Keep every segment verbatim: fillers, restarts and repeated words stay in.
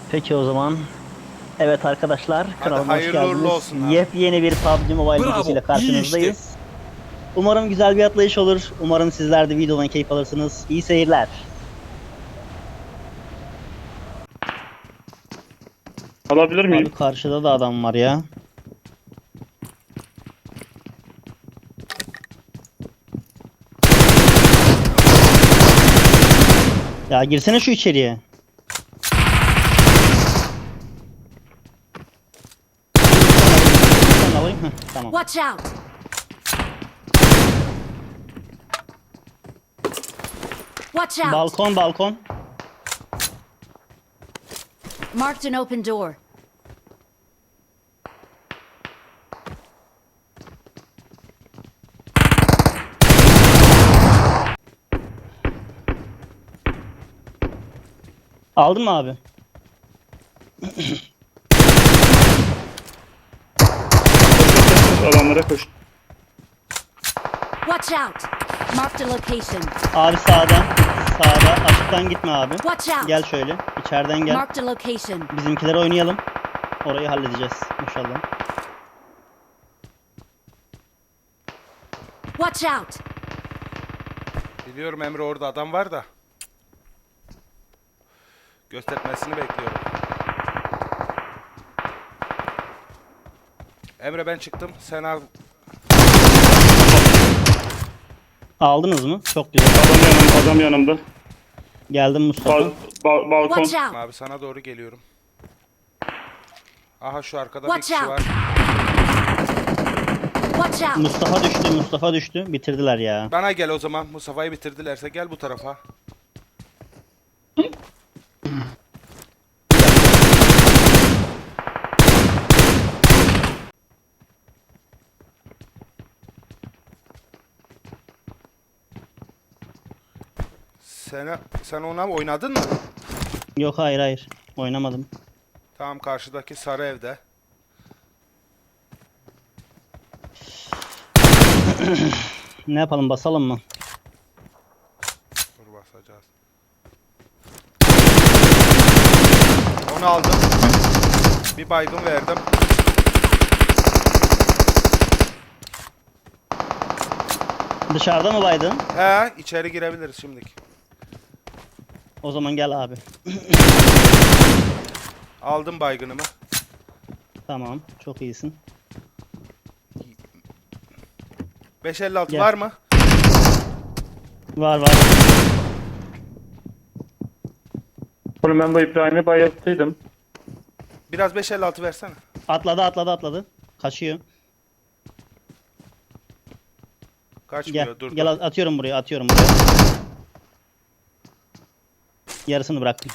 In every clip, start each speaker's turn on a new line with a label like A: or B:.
A: Peki o zaman. Evet arkadaşlar, kanalıma hoş
B: hayırlı uğurlu
A: geldiniz.
B: olsun abi.
A: Yepyeni bir P U B G Mobile
C: Bravo,
A: videosuyla
C: iyi
A: karşınızdayız.
C: işte.
A: Umarım güzel bir atlayış olur. Umarım sizler de videodan keyif alırsınız. İyi seyirler.
D: Alabilir miyim?
A: Abi karşıda da adam var ya. Ya girsene şu içeriye. Ben alayım. Heh, tamam.
E: Watch out! Watch out!
A: Balkon balkon.
E: Marked an open door.
A: Aldın mı abi?
D: Adamlara koş.
E: Watch out! Marked a location.
A: Abi sağdan. Sağda. Açıktan gitme abi.
E: Watch out!
A: Gel şöyle. İçeriden gel.
E: Marked a location.
A: Bizimkileri oynayalım. Orayı halledeceğiz inşallah.
E: Watch out!
B: Biliyorum Emre, orada adam var da. Göstermesini bekliyorum. Emre ben çıktım. Sen al.
A: Aldınız mı? Çok güzel.
D: Adam yanımda. Adam yanımda.
A: Geldim Mustafa.
D: Bal, bal- balkon.
E: Watch out!
B: Abi sana doğru geliyorum. Aha şu arkada
E: Watch
B: bir kişi
E: out.
B: var.
E: Watch out!
A: Mustafa düştü, Mustafa düştü. Bitirdiler ya.
B: Bana gel o zaman. Mustafa'yı bitirdilerse gel bu tarafa. Sen, sen ona oynadın mı?
A: Yok hayır hayır. Oynamadım.
B: Tamam, karşıdaki sarı evde.
A: Ne yapalım, basalım mı?
B: Dur basacağız. Onu aldım. Bir baygın verdim.
A: Dışarıda mı baydın?
B: He, içeri girebiliriz şimdilik.
A: O zaman gel abi.
B: Aldım baygınımı.
A: Tamam, çok iyisin.
B: beş elli altı
A: Gel.
B: var mı?
A: Var var.
D: Oğlum ben bu İbrahim'i bayılttıydım.
B: Biraz beş elli altı versene.
A: Atladı atladı atladı. Kaçıyor.
B: Kaçmıyor,
A: Gel.
B: dur
A: Gel
B: dur.
A: at- atıyorum buraya, atıyorum buraya. Yarısını bıraktım.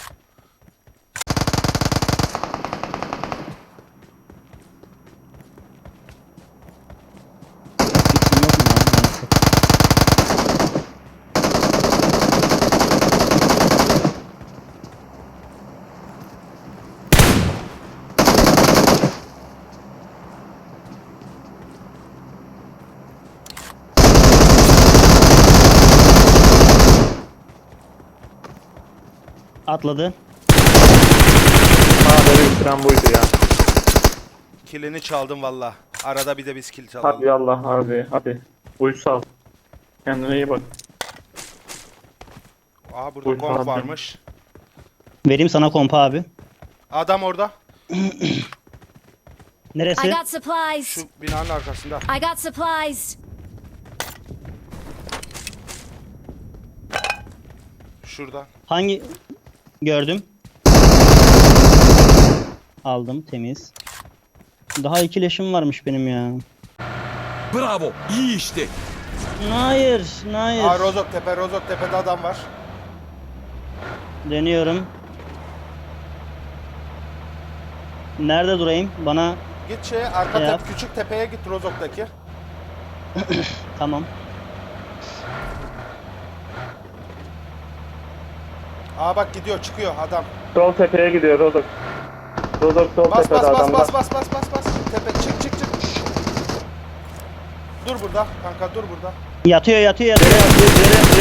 A: Gitsin yok mu ya? Neyse. Atladı.
D: Ha beni bitiren buydu ya.
B: Kilini çaldım valla. Arada bir de biz kill çalalım.
D: Hadi Allah abi hadi. Uysal. Kendine iyi bak.
B: Aha burada
D: Buyur
B: komp
D: abi.
B: varmış.
A: Vereyim sana kompa abi.
B: Adam orada.
E: I
A: Neresi?
E: got supplies!
B: Şu binanın arkasında.
E: I got supplies!
B: Şurada.
A: Hangi? Gördüm. Aldım, temiz. Daha iki leşim varmış benim ya.
C: Bravo, iyi işte.
A: Hayır, hayır.
B: Aa, Rozok Tepe, Rozok Tepe'de adam var.
A: Dönüyorum. Nerede durayım? Bana
B: Git şeye, arka
A: Yap.
B: tepe, küçük tepeye git, Rozok'taki.
A: tamam.
B: Aa bak gidiyor, çıkıyor adam.
D: Sol tepeye gidiyor Rodok. Rodok sol
B: Bas
D: tepede
B: bas bas
D: adamda.
B: bas bas bas bas bas. Tepe çık çık çık. Dur burada kanka, dur burada.
A: Yatıyor, yatıyor, yatıyor.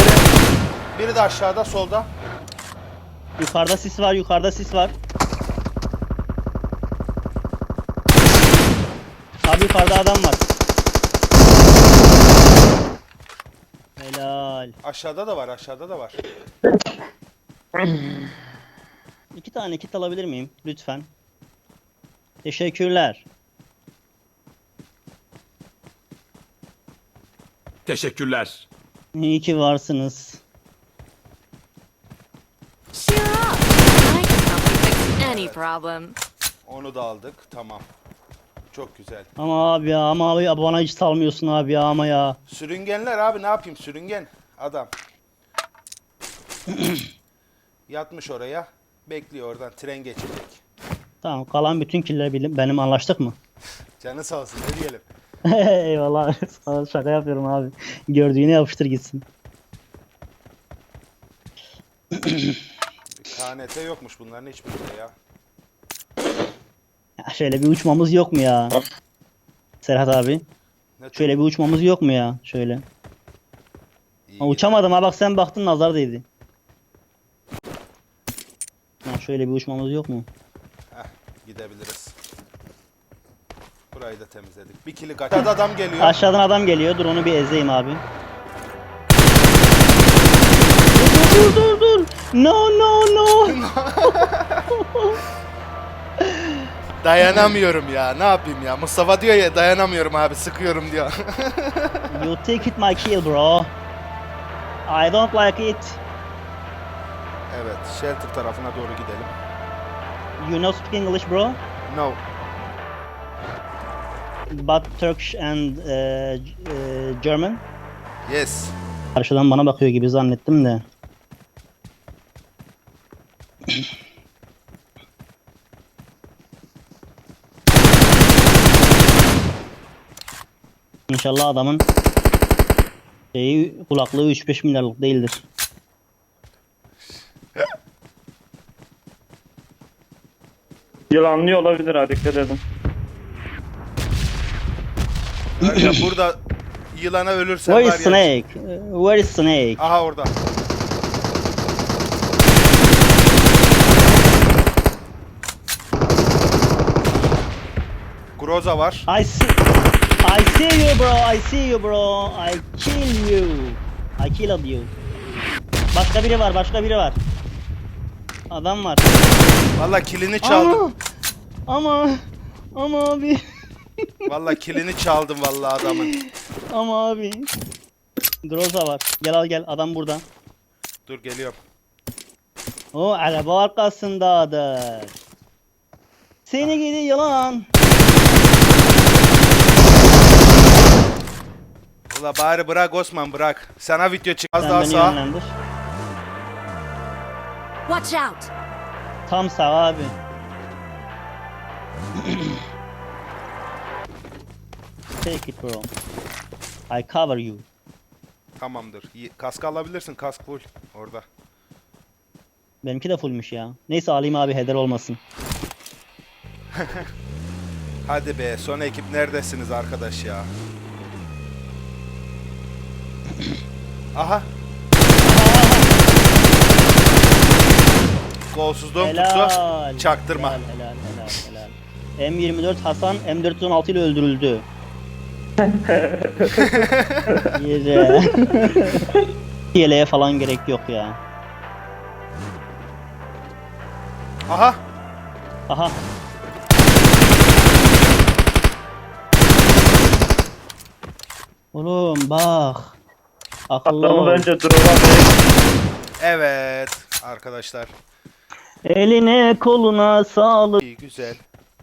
B: Biri de aşağıda, solda.
A: Yukarıda sis var, yukarıda sis var. Abi yukarıda adam var. Helal.
B: Aşağıda da var, aşağıda da var.
A: İki tane kit alabilir miyim? Lütfen. Teşekkürler.
C: Teşekkürler.
A: İyi ki varsınız.
E: Cheer up. I can help you fix any problem.
B: Onu da aldık. Tamam. Çok güzel.
A: Ama abi ya, ama abi ya, bana hiç salmıyorsun abi ya, ama ya.
B: Sürüngenler abi, ne yapayım? Sürüngen adam. Yatmış oraya. Bekliyor, oradan tren geçecek.
A: Tamam, kalan bütün killer benim, benim, anlaştık mı?
B: Canı sağ olsun, ne diyelim.
A: Eyvallah. Sana şaka yapıyorum abi. Gördüğüne yapıştır gitsin.
B: K N T yokmuş bunların hiçbirinde ya.
A: Ya şöyle bir uçmamız yok mu ya? Serhat abi.
B: Ne tür-
A: Şöyle bir uçmamız yok mu ya? Şöyle.
B: İyi
A: Ha, uçamadım ha, bak sen baktın nazar değdi. Ha, şöyle bir uçmamız yok mu?
B: Heh, gidebiliriz. Burayı da temizledik. Bir kili kaç. Aşağıda adam geliyor.
A: Aşağıdan adam geliyor. Dur onu bir ezeyim abi. Dur dur dur dur. No no no.
B: Dayanamıyorum ya. Ne yapayım ya? Mustafa diyor ya, dayanamıyorum abi, sıkıyorum diyor.
A: You take it my kill bro. I don't like it.
B: Evet, shelter tarafına doğru gidelim.
A: You know speak English bro?
B: No.
A: But Turkish and uh, uh, German.
B: Yes.
A: Karşıdan bana bakıyor gibi zannettim de. İnşallah adamın şeyi, kulaklığı üç beş milyarlık değildir.
D: Yılanlıyor olabilir ha, dikkat edin.
B: Ya burada yılana ölürsen
A: Where
B: var
A: is
B: ya.
A: Snake? Uh, Where is Snake?
B: Aha orada. Groza var.
A: I see, I see you bro, I see you bro, I kill you, I killed you. Başka biri var, başka biri var. Adam var.
B: Valla kilini çaldım.
A: Ama, ama, ama abi,
B: Valla kilini çaldım valla adamın.
A: ama abi. Groza var. Gel al gel, adam burada.
B: Dur geliyorum.
A: O araba arkasındadır. Seni gidi yılan.
B: Ula bari bırak Osman, bırak. Sana video çık. Az
A: Sen
B: daha
A: beni
B: sağ.
A: yönlendir.
E: Watch out.
A: Tam sağ abi. Take it bro. I cover you.
B: Tamamdır. İyi. Kask alabilirsin. Kask full. Orada.
A: Benimki de fullmüş ya. Neyse alayım abi, heder olmasın.
B: Hadi be. Son ekip neredesiniz arkadaş ya? Aha. Golsuzluğum tuttu.
A: Helal.
B: Çaktırma.
A: Helal helal helal helal. M yirmi dört Hasan M dört yüz on altı ile öldürüldü. Yere. Yeleğe falan gerek yok ya.
B: Aha.
A: Aha. Oğlum bak. Akıllı
D: Adamı
A: ol.
D: bence drop'a
B: Evet. Arkadaşlar.
A: Eline koluna sağlık.
B: İyi, güzel.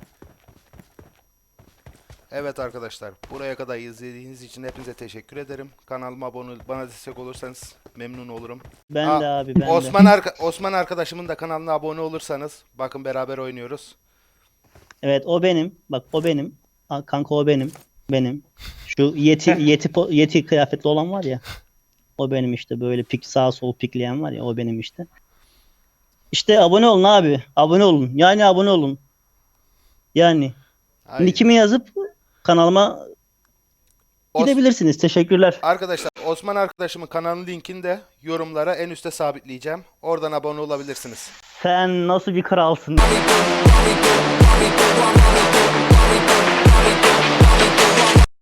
B: Evet arkadaşlar, buraya kadar izlediğiniz için hepinize teşekkür ederim. Kanalıma abone olup bana destek olursanız memnun olurum.
A: Ben
B: Aa,
A: de abi ben
B: Osman
A: de.
B: arka Osman arkadaşımın da kanalına abone olursanız, bakın beraber oynuyoruz.
A: Evet o benim. Bak o benim. Ha, kanka o benim. Benim. Şu yeti yeti po- yeti kıyafetli olan var ya. O benim işte, böyle pik sağ sol pikleyen var ya, o benim işte. İşte abone olun abi. Abone olun. Yani abone olun. Yani
B: Ay.
A: nickimi yazıp kanalıma
B: Os-
A: gidebilirsiniz. Teşekkürler.
B: Arkadaşlar, Osman arkadaşımın kanalının linkini de yorumlara en üste sabitleyeceğim. Oradan abone olabilirsiniz.
A: Sen nasıl bir kralsın?